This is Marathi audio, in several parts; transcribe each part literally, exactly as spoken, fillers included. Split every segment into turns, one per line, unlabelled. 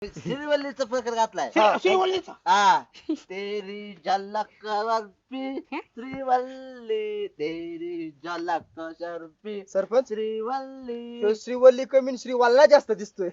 श्रीवल्लीचा प्रकार घातलाय
श्री- श्रीवल्लीचा
हा तेरी झलक वर्पी श्रीवल्ली तेरी झलक शर्पी
सरपंच
श्रीवल्ली
ह्यो श्रीवल्ली कमी श्रीवाल्ला जास्त दिसतोय.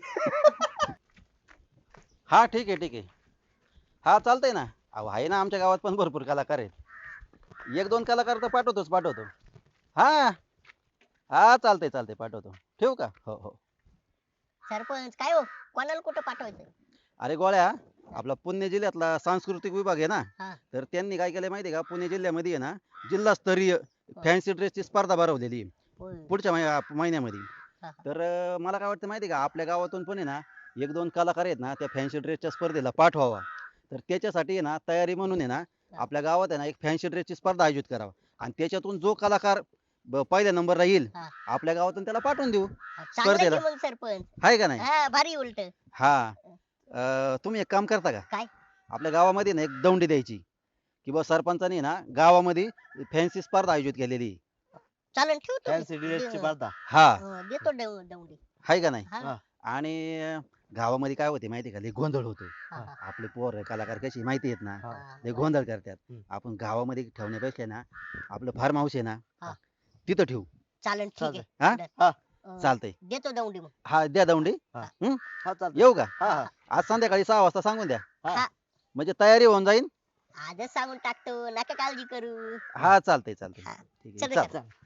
हा ठीक आहे ठीक आहे. हा चालतंय ना. अहो आहे ना आमच्या गावात पण भरपूर कलाकार आहेत. एक दोन कलाकार तर पाठवतोच पाठवतो. हा हा चालतंय चालतंय पाठवतो. ठेवू का? हो हो.
सरपंच काय हो कोणाला कुठं पाठवायचं?
अरे गोळ्या, आपला पुणे जिल्ह्यातला सांस्कृतिक विभाग आहे ना,
हा.
तर त्यांनी काय केलंय माहिती आहे का, पुणे जिल्ह्यामध्ये आहे ना जिल्हास्तरीय फॅन्सी ड्रेसची स्पर्धा भरवलेली आहे
होय.
पुढच्या महि- महिन्यामध्ये.
हा.
तर अं, मला काय वाटतं माहिती आहे का, आपल्या गावातून पण आहे ना एक दोन कलाकार आहेत ना त्या फॅन्सी ड्रेसच्या स्पर्धेला पाठवावा. तर त्याच्यासाठी आहे ना तयारी म्हणून आहे ना आपल्या गावात आहे ना एक फॅन्सी ड्रेसची स्पर्धा आयोजित करावा आणि त्याच्यातून जो कलाकार ब- पहिल्या नंबरला येईल
हा.
आपल्या गावातून त्याला पाठवून देऊ.
चांगलं आहे
स्पर्धेला.
की मग सरपंच.
आहे का नाही?
हा भारी उलट.
हा. अं, तुम्ही एक काम करता का?
काय?
आपल्या गावामध्ये ना एक दौंडी द्यायची की बा सरपंचाने ना गावामध्ये फॅन्सी स्पर्धा आयोजित केलेली आहे.
चालन ठेवतो.
फॅन्सी ड्रेसची स्पर्धा
हा.
अं, देतो देऊ- दौंडी.
आहे का नाही?
हा.
आणि अं, गावामध्ये काय होते माहिती आहे का, लय गोंधळ होतो.
हा, हा.
आपले पोर कलाकार कशी माहिती आहेत ना,
हा.
लय गोंधळ करतात.
हम्म. आपण
आपण गावामध्ये ठेवण्यापेक्षा ना आपलं फार्म हाऊस आहे ना
हा.
तिथं ठेवू.
चालन ठीक आहे.
हा?
डन.
हा.
अं,
चालतंय.
देतो दौंडी मग.
हा द्या दौंडी.
हा.
हम्म?
हा चालतंय.
येऊ का?
हा हा
आज संध्याकाळी सहा वाजता सांगून द्या.
हा.
म्हणजे तयारी होऊन जाईल.
आजच सांगून टाकतो नका काळजी करू.
हा चालतंय चालतंय.
हा.
ठीक आहे.
चला,
चल.
चला.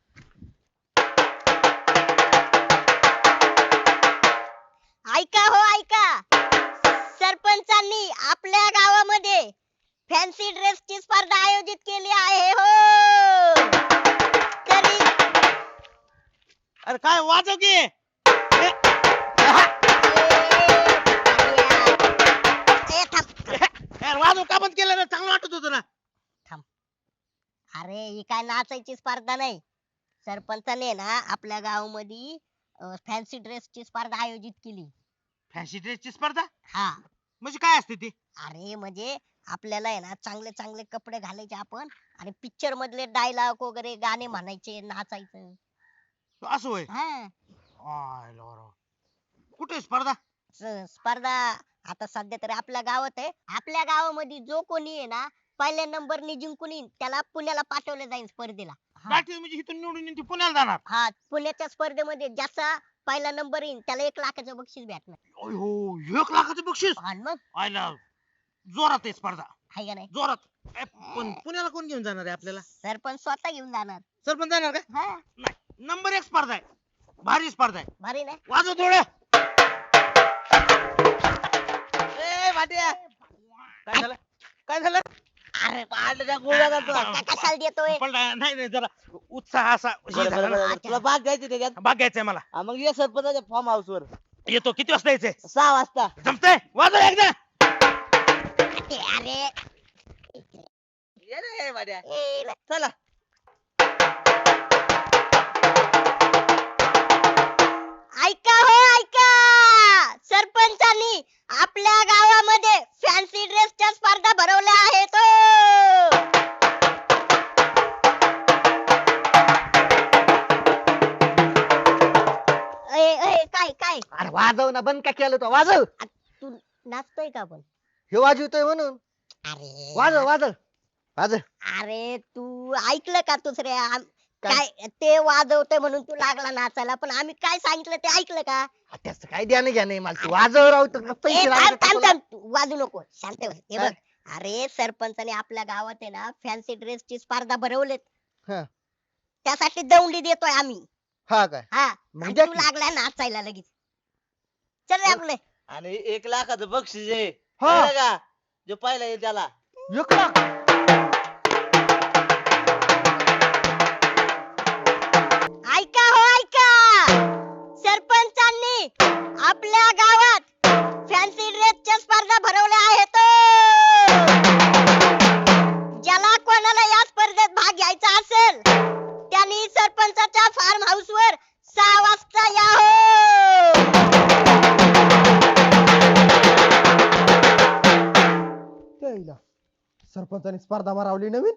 ऐका हो ऐका, सरपंचांनी आपल्या गावामध्ये फॅन्सी ड्रेसची स्पर्धा आयोजित केली आहे हो. तरी
अरे काय वाजव की
ए, ए, थांब.
यार वाजव का बंद केलं ना, चांगलं वाटत होतं ना.
अरे ही काय नाचायची स्पर्धा नाही. सरपंचाने ना आपल्या गावामध्ये फॅन्सी ड्रेसची स्पर्धा आयोजित केली.
फॅन्सी ड्रेसची स्पर्धा
हा.
म्हणजे काय असते ती?
अरे म्हणजे आपल्याला आहे ना चांगले चांगले कपडे घालायचे आपण आणि पिक्चर मधले डायलॉग वगैरे गाणे म्हणायचे नाचायचं.
असं होय.
हा.
I lord. कुठे स्पर्धा?
स- स्पर्धा आता सध्या तरी आपल्या गावात आहे. आपल्या गावामध्ये जो कोणी आहे ना पहिल्या नंबरने जिंकून येईल त्याला पुण्याला पाठवलं जाईल स्पर्धेला. हा.
पाटील म्हणजे इथून निवडून येऊन ती पुण्याला जाणार.
हा पुण्याच्या स्पर्धेमध्ये ज्याचा पहिला नंबर येईल त्याला एक लाखाचं बक्षीस भेटणार.
ओय हो, एक लाखाचं बक्षीस.
आणि मग
आयला जोरात आहे स्पर्धा,
हाय का नाही?
जोरात. ए, पण पुण्याला कोण घेऊन जाणार आहे आपल्याला?
सरपंच स्वतः घेऊन जाणार.
सरपंच जाणार का?
हा
नाही, नंबर एक स्पर्धा आहे, भारी स्पर्धा आहे.
भारी नाही?
वाजव थोडं.
ए भाट्या काय झालं काय झालं
अरे
पाडलं त्या गोळ्या घालतो
का- कशाला देतोय?
पण नाही नाही जरा उत्साह असा हे
बरं,
झाला
बरं,
ना.
बरं. तुला भाग घ्यायचे त्याच्यात
भाग घ्यायचंय मला.
हा, मग ये सरपंचाच्या फार्म हाऊस वर
येतो. किती वाजता यायचंय?
सहा वाजता
जमतंय? वाजव एकदा.
अरे
ये रे भाट्या
ए,
चला
ऐका हो ऐका, सरपंचांनी आपल्या गावामध्ये फॅन्सी ड्रेसच्या स्पर्धा भरवल्या आहेत हो. ए, ए, काय काय
अरे वाजव ना, बंद का केलं तो? वाजव.
तू नाचतोय का पण?
हे वाजवतोय म्हणून.
अरे
वाजव वाजव वाजव.
अरे तू ऐकलं का दुसऱ्या आम- काय ते वाजवतोय म्हणून तू लागला नाचायला, पण आम्ही काय सांगितलं ते ऐकलं का?
हा, त्याचं काय द्यानं घ्या नाही मला. तू वाजव राव, तू
ए,
पैसे
थांब
लागले का
थांब
तुला?
थांब तू वाजू नको, शांत बस. हे
हा.
बघ, अरे सरपंचाने आपल्या गावात आहे ना फॅन्सी ड्रेसची स्पर्धा भरवलेत.
हा.
त्यासाठी दौंडी देतोय आम्ही.
हा काय?
हा
मग
आणि
द्या
तू
की.
लागलाय नाचायला लगेच. चल रे आपले.
आणि एक लाखाचं बक्षीस आहे
हा.
कळलं का जो पहिला येईल त्याला
एक लाख.
ऐका हो ऐका, सरपंचांनी आपल्या गावात फॅन्सी ड्रेसच्या स्पर्धा भरवल्या आहेत हो. ज्याला कोणाला या स्पर्धेत भाग घ्यायचा असेल त्यांनी सरपंचाच्या फार्म हाऊस वर सहा वाजता या हो.
त्याला सरपंचाने स्पर्धा भरवली नवीन.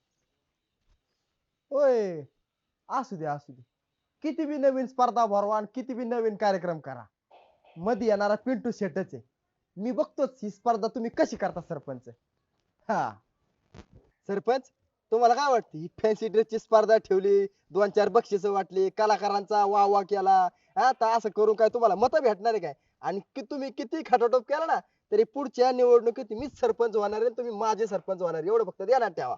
होय, असू दे असू दे. किती बी नवीन स्पर्धा भरवा आणि किती बी नवीन कार्यक्रम करा, मध्ये येणारा पिंटू शेटच आहे. मी बघतोच ही स्पर्धा तुम्ही कशी करता सरपंच. हा सरपंच, तुम्हाला काय वाटतं ही फॅन्सी ड्रेसची स्पर्धा ठेवली, दोन चार बक्षिस वाटली, कलाकारांचा वाह वाह केला, हा तर असं करून काय तुम्हाला मत भेटणार आहे काय? आणि कि तुम्ही किती खटाटोप केला ना तरी पुढच्या निवडणुकीत मीच सरपंच होणार आहे, तुम्ही माझे सरपंच होणार आहे. एवढं फक्त ध्यानात ठेवा.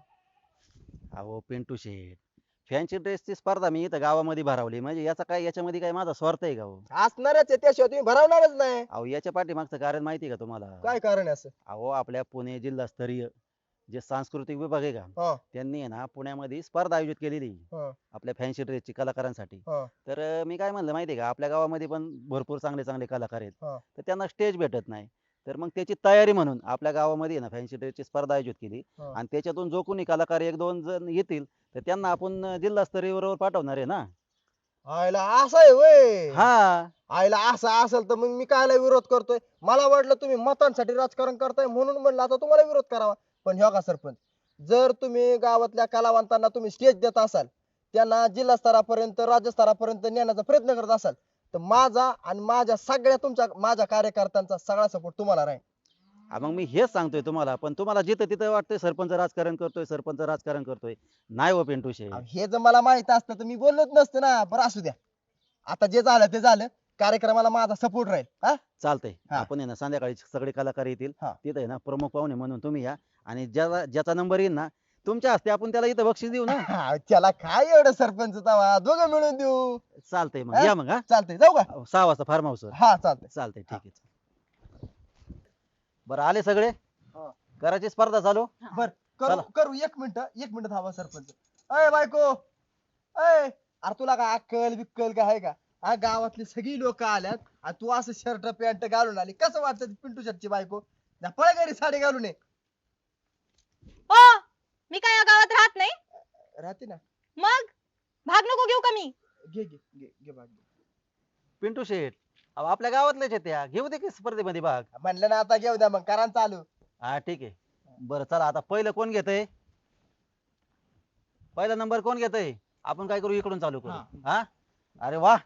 अहो पिंटू शेठ, फॅन्सी ड्रेसची स्पर्धा मी इथं गावामध्ये भरवली म्हणजे याचा काय याच्यामध्ये काय माझा स्वार्थ आहे का हो?
असणारच आहे, त्याशिवाय तुम्ही भरवणारच नाही.
अहो याच्या पाठीमागचं कारण माहिती आहे का तुम्हाला?
काय कारण आहे असं?
अहो आपल्या पुणे जिल्हास्तरीय जे सांस्कृतिक विभाग आहे का
हा
त्यांनी आहे ना पुण्यामध्ये स्पर्धा आयोजित केलेली आहे
हा
आपल्या फॅन्सी ड्रेसची कलाकारांसाठी.
हा
तर अं, मी काय म्हणलं माहिती आहे का आपल्या गावामध्ये पण भरपूर चांगले चांगले कलाकार आहेत
हा.
तर त्यांना स्टेज भेटत नाही. तर मग त्याची तयारी म्हणून आपल्या गावामध्ये आहे ना फॅन्सी ड्रेसची स्पर्धा आयोजित केली
हा.
आणि त्याच्यातून जो कोणी कलाकार एक दोन जण येतील तर त्यांना आपण अं, जिल्हास्तरीयवर पाठवणार आहे ना.
आयला असं आहे वय.
हा
आयला असं असेल तर मग मी कायला विरोध करतोय? मला वाटलं तुम्ही मतांसाठी राजकारण करताय म्हणून म्हणलं आता तुम्हाला विरोध करावा. पण ह्यो का सरपंच, जर तुम्ही गावातल्या कलावंतांना तुम्ही स्टेज देत असाल, त्यांना जिल्हा स्तरापर्यंत राज्य स्तरापर्यंत नेण्याचा प्रयत्न करत असाल तर माझा आणि माझ्या सगळ्या तुमच्या माझ्या कार्यकर्त्यांचा सगळा सपोर्ट तुम्हाला राहील.
हा, मग मी हेच सांगतोय तुम्हाला पण तुम्हाला जिथं तिथं वाटतंय सरपंच राजकारण करतोय सरपंच राजकारण करतोय. नाही हो पिंटू शेठ.
अहो, हे जर मला माहित असतं तर मी बोललोच नसतं ना. बरं असू द्या, आता जे झालं ते झालं. कार्यक्रमाला माझा सपोर्ट राहील. हा
चालतंय
हा.
आपण आहे ना संध्याकाळी सगळे कलाकार येतील
हा.
तिथे आहे ना प्रमुख पाहुणे म्हणून तुम्ही या आणि ज्याचा ज्याचा नंबर येईल ना तुमच्या हस्ते आपण त्याला इथं बक्षीस देऊ ना.
हा, त्याला काय एवढं सरपंच तवा दोघं मिळून देऊ.
चालतंय मग
हा?
या मग. हा
चालतंय, जाऊ का?
सहा वाजता फार्म हाऊस
हा चालतंय.
चालतंय ठीक आहे. बरं आले सगळे
हा.
करायची स्पर्धा चालू.
बर करू
चला.
करू एक मिनिट एक मिनिट थांबा सरपंच. अय बायको, अय अरे तुला काय अक्कल बिक्कल काय आहे का? हा, गावातली सगळी लोक आल्यात आणि तू असं शर्ट पॅन्ट घालून आली, कसं वाटतं पिंटू शर्टची बायको? ना पळ घरी साडी घालून ये.
ओ मी काय या गावात राहत नाही.
राहते ना.
मग भाग नको घेऊ का मी?
घे घे घे घे भाग घे.
पिंटू शेठ अहो आपल्या गावातलेच आहेत त्या घेऊ दे की स्पर्धेमध्ये भाग.
म्हणलं ना आता घेऊ द्या मग, करा ना चालू.
हा ठीक आहे. बरं चला आता पहिलं कोण घेतय? पहिला नंबर कोण घेतय? आपण काय करू इकडून चालू करू.
हा.
हा अरे वा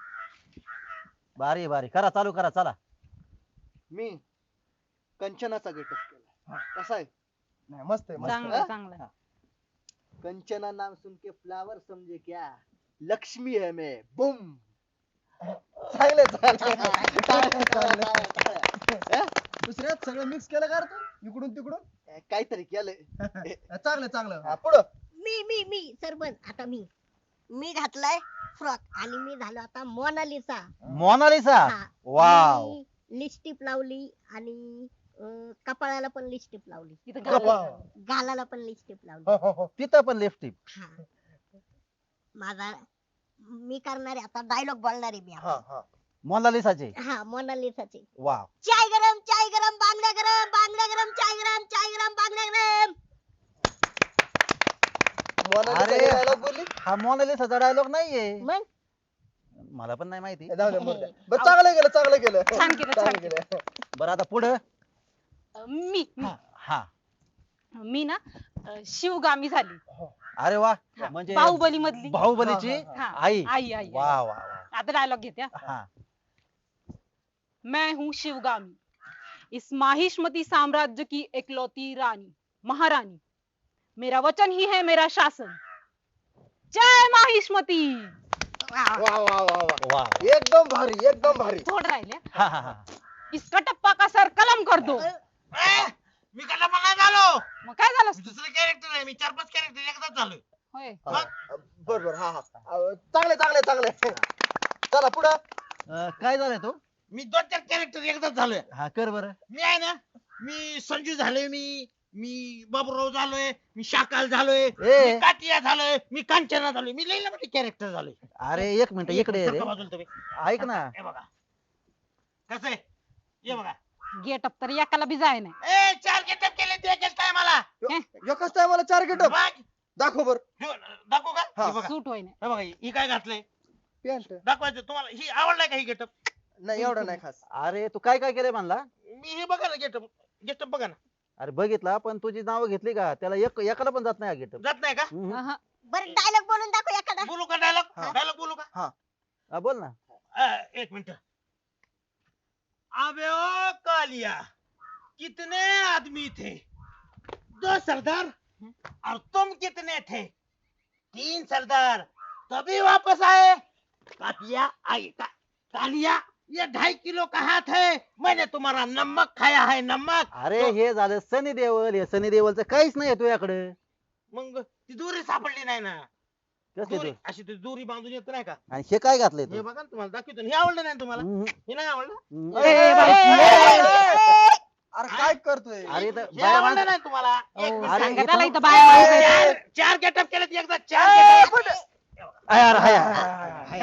भारी भारी करा चालू करा चला.
मी कंचनाचा गेटअप केला. कसा आहे?
नाही मस्त आहे, मस्त आहे.
चांगलं चांगलं.
कंचना नाम सुन के फ्लावर समझे क्या, लक्ष्मी है मैं. बुम.
चांगलं आहे, चांगलं आहे. चांगलं आहे, चांगलं आहे. दुसऱ्यात सगळं मिक्स केलं का रे तू इकडून तिकडून?
काहीतरी केलंय.
चांगलं चांगलं. हा, पुढं.
मी मी मी सरपंच, आता मी मी घातलाय फ्रॉक आणि मी झालो आता मोनालिसा.
मोनालिसा
हा.
वाव
मी लिपस्टिक लावली आणि अं, कपाळाला पण लिपस्टिक लावली,
इथं
वा, वा.
गावात.
गालाला पण लिपस्टिक लावली.
हो, हो, हो.
तिथं पण लिपस्टिक.
हा. माझा मी करणारे आता डायलॉग बोलणारे मी
हा
आता.
हा.
मोनालिसाचे
हा मोनालिसाचे.
वाव.
चाय गरम चाय गरम बांगड्या गरम बांगड्या गरम चाय गरम चाय गरम बांगड्या गरम.
मोनालिसा
अरे.
हे dialogue बोलली?
हा मोनालिसाचा डायलॉग नाहीये.
मग
मला पण नाही माहिती.
जाऊ दे, मरू दे. बरं चांगलं केलं चांगलं केलं.
छान केलं, छान
चांगलं केलं.
बरं आता पुढं.
अं, मी मी.
हा
मी ना अं, शिवगामी झाली.
अरे वा
हा,
म्हणजे
बाहुबली मधली.
बाहुबलीची
हा,
हा,
आई.
आई आई
वा
आई.
वा वा.
आता डायलॉग घेते हा.
हा
मैं हूँ शिवगामी, इस माहिष्मती साम्राज्य की इकलौती रानी महारानी. मेरा वचन ही है मेरा शासन. जय माहिष्मती.
वा वा वा वा.
वा
एकदम भारी एकदम भारी.
थोड राहिले.
हा हा हा.
इसका टप्पा का सर कलम कर दो.
ए, मी कसा बघा झालो
मग काय झालं
मी दुसरं कॅरेक्टर आहे मी चार पाच कॅरेक्टर एकदाच झालोय.
होय.
हा, बर बर हा हा. अं, चांगले चांगले चांगले. चला पुढं.
अं, काय झालं तू?
मी दोन चार कॅरेक्टर एकदाच झालोय.
हा कर बरं.
मी आहे ना मी संजू झालोय मी मी बाबूराव झालोय मी शाकाल झालोय
ए.
मी काटिया झालोय मी कांचना झालोय मी लई मोठे कॅरेक्टर झालोय.
अरे एक मिनिट इकडे ये रे.
सरका बाजूला तुम्ही.
ऐक ना.
हे बघा कसं आहे ये बघा.
गेटअप तर एकाला बी जाय नाही.
ए चार गेटअप केले ते एकाच टायमाला.
एकच टायमाला चार गेटअप दाखव बर.
दाखवू का
हा.
हे बघा
सूट होय नाही.
हे बघा ही काय घातलंय
पॅन्ट
दाखवायचं तुम्हाला ही आवडलाय का ही गेटअप.
नाही एवढं नाही खास.
अरे तू काय काय केलंय म्हणला?
मी हे बघा ना गेटअप गेटअप बघा ना
अरे बघितला पण तुझी नावं घेतली का त्याला एक एकाला पण जात नाही गेट.
जात नाही का.
अहं.
बरं डायलॉग बोलून दाखव एखादा.
बोलू का डायलॉग
हा.
डायलॉग बोलू का.
बोल ना.
अ, एक मिनिट अबे ओ कालिया, कितने आदमी थे? दो सरदार। और तुम कितने थे? तीन सरदार। तभी वापस आए। कातिया आई का, कालिया, ये ढाई किलो का हाथ है। मैंने तुम्हारा नमक खाया है, नमक।
अरे हे झालं सनी देवल, हे सनी देवलचं काहीच नाही तुझ्याकडे.
मग ती दोरी सापडली नाही ना.
कसली
दोरी
तू?
अशी ती दोरी बांधून येत नाही का?
आणि हे काय घातलंय
हे
तू?
बघा ना, तुम्हाला दाखवतो ना. हे आवडलं नाही तुम्हाला?
हम्म.
हे नाही आवडलं?
हम्म.
ए, ए, बाई.
अरे काय करतोय
अरे इथं
हे
बाया
आवडलं
माणसं-
नाही तुम्हाला? एक
अहो,
मिनिट.
अरे,
सांगा
इथं-
त्याला इथं बाया माणसं.
चार चार गेटअप केलेत एकदा. चार गेटअप.
आहे, आहे, आहे, आहे.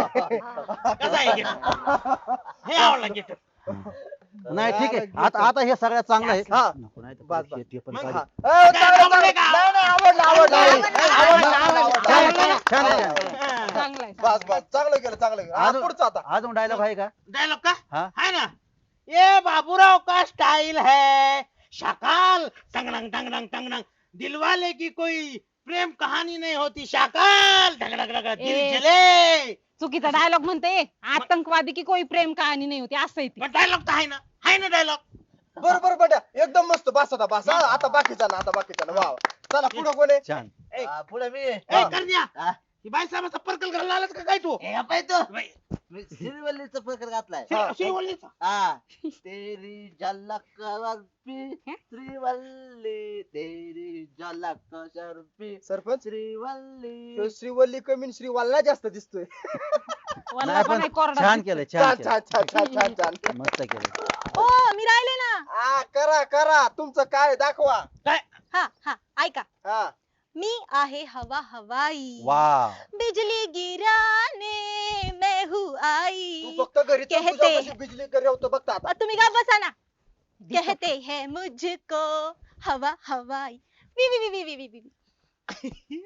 कसा आहे गेटअप? हे आवडला गेटअप.
नाही ठीक आहे. आता आता हे सगळ्यात चांगलं आहे.
हा.
नको नाही तर
बस,
हे- ते पण
मग
काढू.
हा. ए, चालेल, चालेल.
का?
नाही, नाही, आवडलं, आवडलं, आवडलं.
आवडलं,
आवडलं, आवडलं.
छान आहे,
आवडलं.
छान आहे, छान आहे.
चांगलं आहे,
बस
चांगलं
बस चांगलं केलं चांगलं केलं. हा,
अजून-
पुढचं आता
अजून डायलॉग आहे का?
डायलॉग का?
हा.
है ना? ये बाबूराव का स्टाइल है। शाकाल टंगडंग टंगडंग टंगडंग, दिलवाले की कोई प्रेम कहानी नहीं होती। शाकाल टंगडंग टंगडंग, दिल
ए.
जले।
चुकीचा डायलॉग म्हणते. आतंकवादी की कोई प्रेम कहाणी नाही होती असं आहे ते.
पण डायलॉग तर आहे ना, आहे ना डायलॉग.
बरोबर बड्या एकदम मस्त बस आता बस हा, आता बाकीचा ना आता बाकीचा ना वा वा. चला पुढं कोण आहे
छान.
पुढे मी
ए
हा.
करण्या, ही बाई साहेबाचा पर्कल घालून आलास का काय तू?
हे पाय तो
बाई,
मी श्रीवल्लीचा प्रकार घातलाय
श्री- श्रीवल्लीचा.
हा तेरी झलक शर्फी श्रीवल्ली तेरी झलक शर्फी
सरपंच
श्रीवल्ली
ह्यो श्रीवल्ली कमी आणि श्रीवाल्ला जास्त दिसतोय
वल्ला
नाही
पण
पण
आहे, कोरडा
छान
दिसतोय.
केलं,
छान
छान
छान
केलं.
छान छान छान छान
मस्त केलं.
ओ मी राहिले ना.
हा करा करा तुमचं काय दाखवा
हा हा ऐका.
हा
मी आहे हवा हवाई.
वाव.
बिजली गिराने मैं हूँ आई.
तू फक्त घरी चल,
कहते-
तुझ्यापाशी बिजली घरी होतं बघता आता
और तुम्ही का बसा ना. कहते हैं मुझको हवा हवाई. वी वी वी वी वी वी वी.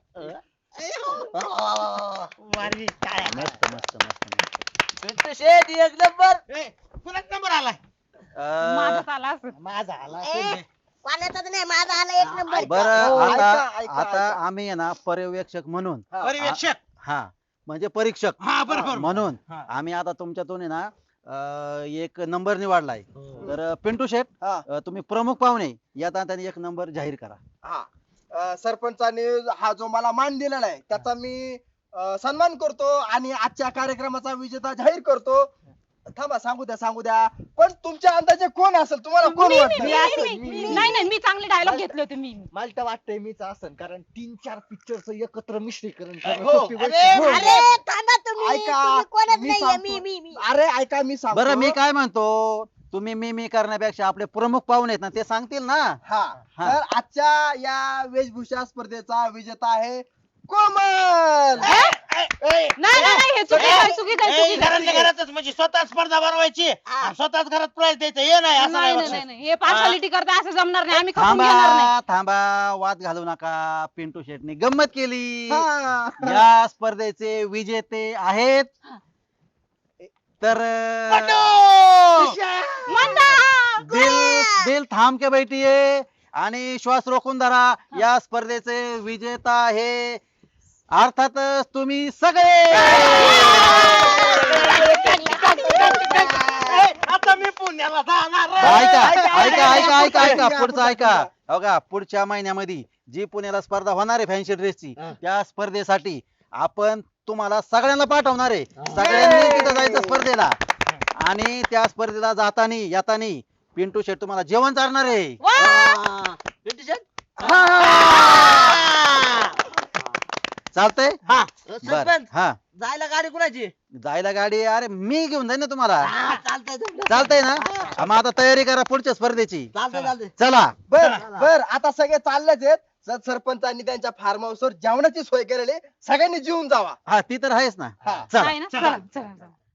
वारी काय?
मस्त मस्त मस्त मस्त.
पिंटू शेठ एक नंबर
ए, कुणाचा नंबर आलाय?
अं,
माझं आला असं.
माझा आला.
ए, कोणाचाच नाही माझा आला एक नंबर.
बरं
हो,
आता
ऐका, ऐका,
आता
ऐका.
आम्ही आहे ना पर्यवेक्षक म्हणून
हा.
पर्यवेक्षक.
हा म्हणजे परीक्षक
हा बरोबर.
म्हणून
हा.
आम्ही आता तुमच्यातून आहे ना अं, एक नंबर निवडलाय. तर अं, पिंटू शेठ
हा.
अं, तुम्ही प्रमुख पाहुणे यात त्यांनी एक नंबर जाहीर करा.
हा अं, सरपंचाने हा जो मला मान दिलेला आहे त्याचा मी अं, सन्मान करतो आणि आजच्या कार्यक्रमाचा विजेता जाहीर करतो. थांबा सांगू द्या सांगू द्या पण तुमच्या अंदाजे कोण असेल तुम्हाला कोण
मी- मी-
वाटतं
मी- मी- मी- मी- नाही नाही मी चांगले डायलॉग घेतले होते मी.
मला तर वाटतंय मीच असन कारण तीन चार पिक्चरचं एकत्र मिश्रीकरण
हो.
करणं सोपी गोष्ट
अरे,
नाही.
अरे थांबा तुम्ही
ऐका,
तुम्ही कोणच
मी
नाहीये
सांगतो.
मी मी मी
अरे ऐका मी सांगतो
बरं मी काय म्हणतो तुम्ही मी मी करण्यापेक्षा आपले प्रमुख पाहुणे आहेत ना ते सांगतील ना.
हा
हा.
तर आजच्या या वेशभूषा स्पर्धेचा विजेता आहे कोमल
ए, ए, ए,
नाही नाही नाही, हे चुकीचं आहे, चुकीचं आहे,
ए,
चुकीचं आहे.
घरातल्या घरातच म्हणजे स्वतः स्पर्धा भरवायची आणि स्वतःच घरात प्राइज द्यायचं हे नाही असं
नाही
नाही
नाही नाही
बक्षीस.
नाही. हे पार्शालिटी करता असं जमणार नाही. आम्ही खपून घेणार नाही.
थांबा थांबा वाद घालू नका. पिंटू शेटने गंमत केली.
हा.
या स्पर्धेचे विजेते आहेत तर
पटू!
मंदा!
दिल दिल थांब के बैठिये आणि श्वास रोखून धरा. या स्पर्धेचे विजेता आहे अर्थातच तुम्ही सगळे.
ए, आता मी पुण्याला जाणार रे.
ऐका
ऐका,
ऐका ऐका ऐका ऐका
ऐका,
पुढचं
ऐका.
ऐका बघा पुढच्या महिन्यामध्ये जी पुण्याला स्पर्धा होणार आहे फॅन्सी ड्रेसची त्या स्पर्धेसाठी आपण तुम्हाला सगळ्यांना पाठवणार आहे. सगळ्यांनी तिथं जायचं स्पर्धेला आणि त्या स्पर्धेला जातानी येतानी पिंटू शेट तुम्हाला जेवण चालणार आहे.
वा!
पिंटू शेठ
चालतंय
हा.
बर
सरपंच
हा
जायला गाडी कुणाची
जायला गाडी अरे मी घेऊन जाईन ना तुम्हाला.
हा, चालतंय चालतंय.
चालतंय ना हा, मग आता तयारी करा पुढच्या स्पर्धेची.
चालतंय चालतंय
चला
बर बर आता सगळे चाललेच आहेत सर सरपंचांनी त्यांच्या फार्म हाऊसवर जेवणाची सोय केलेली आहे. सगळ्यांनी जेवून जावा
हा ती तर आहेच ना.
हा.
चला
आहे ना? चला चला चला.